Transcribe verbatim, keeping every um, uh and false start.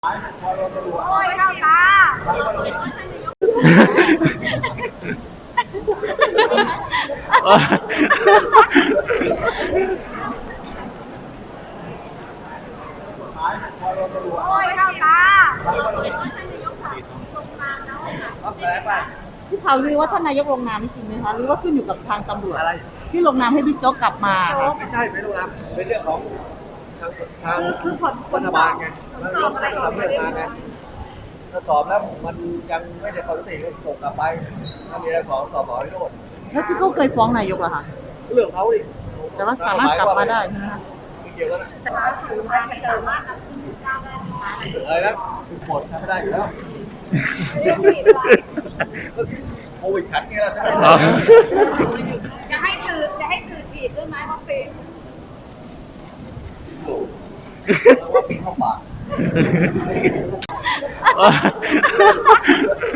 โอ้ยข้าวตาโอ้ยข้าวตาที่ข่าวลือว่าท่านนายกลงนามนี่จริงไหมคะหรือว่าขึ้นอยู่กับทางตำรวจอะไรที่ลงนามให้บิ๊กโจ๊กกลับมาค่ะไม่ใช่ไม่รู้นะเป็นเรื่องของทางทางรัฐบาลไงนายกก็ทำเรื่องมาไงถ้าสอบแล้วมันยังไม่ได้ข้อยุติก็ส่งกลับไปถ้ามีอะไรขอสอบขอให้โน่นแล้วที่เขาเคยฟ้องนายกเหรอคะเรื่องเขาดิแต่ว่าสามารถกลับมาได้ใช่ไหมคะไม่เกี่ยวกันนะอะไรนะหมดทำไม่ได้อยู่แล้วโควิดขัดเงี้ยใช่ไหมจะให้สื่อจะให้สื่อฉีดด้วยไหมวัคซีนว่าปีเข้าปาก